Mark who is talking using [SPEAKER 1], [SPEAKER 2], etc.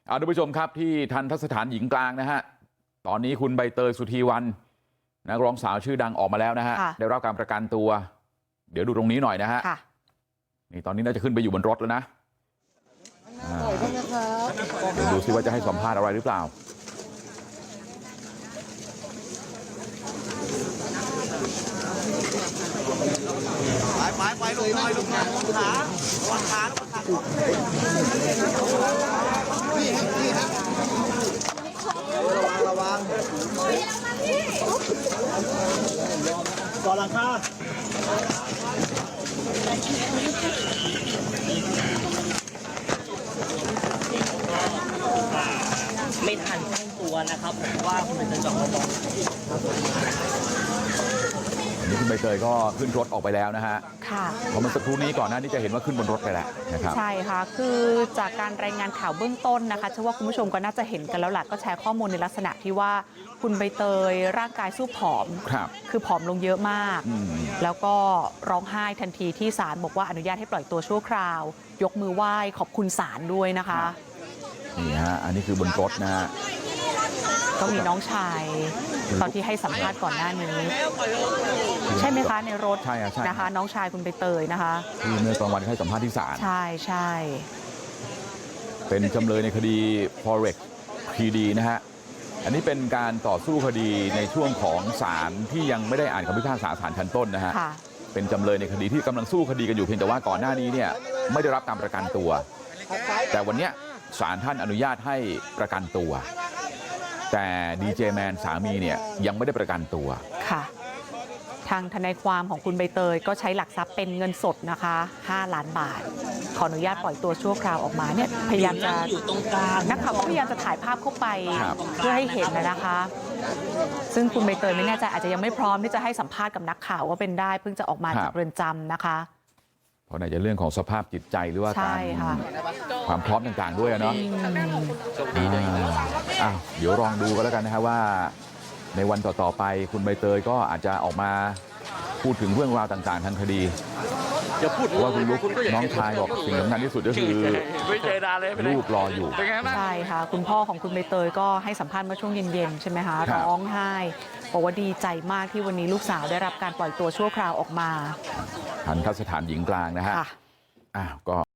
[SPEAKER 1] ทุกผู้ชมครับที่ทันทสถานหญิงกลางนะฮะตอนนี้คุณใบเตยสุธีวรรณนักร้องสาวชื่อดังออกมาแล้วนะฮะได้รับการประกันตัวเดี๋ยวดูตรงนี้หน่อยนะฮะนี่ตอนนี้น่าจะขึ้นไปอยู่บนรถแล้วนะดูซิว่าจะให้สัมภาษณ์อะไรหรือเปล่า
[SPEAKER 2] ไปลงหน่อยลงขาระวังขาระวังก่อนหลังคา
[SPEAKER 3] ไม่ทันตั้งตัวนะครับผมว่าคุณเป็นจอมบอล
[SPEAKER 1] นี่คุณใบเตยก็ขึ้นรถออกไปแล้วนะฮะค่ะเพราะเมื่อสักครู่นี้ก่อนหน้านี้จะเห็นว่าขึ้นบนรถไปแล้วนะครับ
[SPEAKER 4] ใช่ค่ะคือจากการรายงานข่าวเบื้องต้นนะคะเชื่อว่าคุณผู้ชมก็น่าจะเห็นกันแล้วแหละก็แชร์ข้อมูลในลักษณะที่ว่าคุณใบเตยร่างกายสู้ผอมคือผอมลงเยอะมากแล้วก็ร้องไห้ทันทีที่ศาลบอกว่าอนุญาตให้ปล่อยตัวชั่วคราวยกมือไหว้ขอบคุณศาลด้วยนะคะ
[SPEAKER 1] นี่ฮะอันนี้คือบนรถนะฮะ
[SPEAKER 4] ก็มีน้องชายตอนที่ให้สัมภาษณ์ก่อนหน้านี้ใช่ไหมคะในรถนะคะน้องชายคุณใบเตยนะคะ
[SPEAKER 1] ที่เมื่อกลางวันให้สัมภาษณ์ที่ศาล
[SPEAKER 4] ใช่
[SPEAKER 1] เป็นจำเลยในคดี Forex PD นะฮะอันนี้เป็นการต่อสู้คดีในช่วงของศาลที่ยังไม่ได้อ่านคำพิพากษาศาลชั้นต้นนะฮะเป็นจำเลยในคดีที่กำลังสู้คดีกันอยู่เพียงแต่ว่าก่อนหน้านี้เนี่ยไม่ได้รับการประกันตัวแต่วันนี้ศาลท่านอนุญาตให้ประกันตัวแต่ดีเจแมนสามีเนี่ยยังไม่ได้ประกันตัว
[SPEAKER 4] ค่ะทางทนายความของคุณใบเตยก็ใช้หลักทรัพย์เป็นเงินสดนะคะ5 ล้านบาทขออนุญาตปล่อยตัวชั่วคราวออกมาเนี่ยพยายามจะ
[SPEAKER 3] อยู่ตรงกลาง
[SPEAKER 4] นักข่าวก็พยายามจะถ่ายภาพเข้าไปเพื่อให้เห็นนะคะซึ่งคุณใบเตยไม่แน่ใจอาจจะยังไม่พร้อมที่จะให้สัมภาษณ์กับนักข่าวว่าเป็นได้เพิ่งจะออกมาจากเรือนจำนะคะ
[SPEAKER 1] เพราะในเรื่องของสภาพจิตใจหรือว่าการความพร้อมต่างๆด้วยเนาะเดี๋ยวลองดูกันแล้วกันนะฮะว่าในวันต่อๆไปคุณใบเตยก็อาจจะออกมาพูดถึงเรื่องราวต่างๆทางคดีว่าคุณลุกน้องชายบอกสิ่งสำคัญที่สุดก็คือลูกรออยู่
[SPEAKER 4] ใช่ค่ะคุณพ่อของคุณใบเตยก็ให้สัมภาษณ์เมื่อช่วงเย็นๆใช่ไหมคะร้องไห้บอกว่าดีใจมากที่วันนี้ลูกสาวได้รับการปล่อยตัวชั่วคราวออกมา
[SPEAKER 1] ทันทสถานหญิงกลางนะฮะก็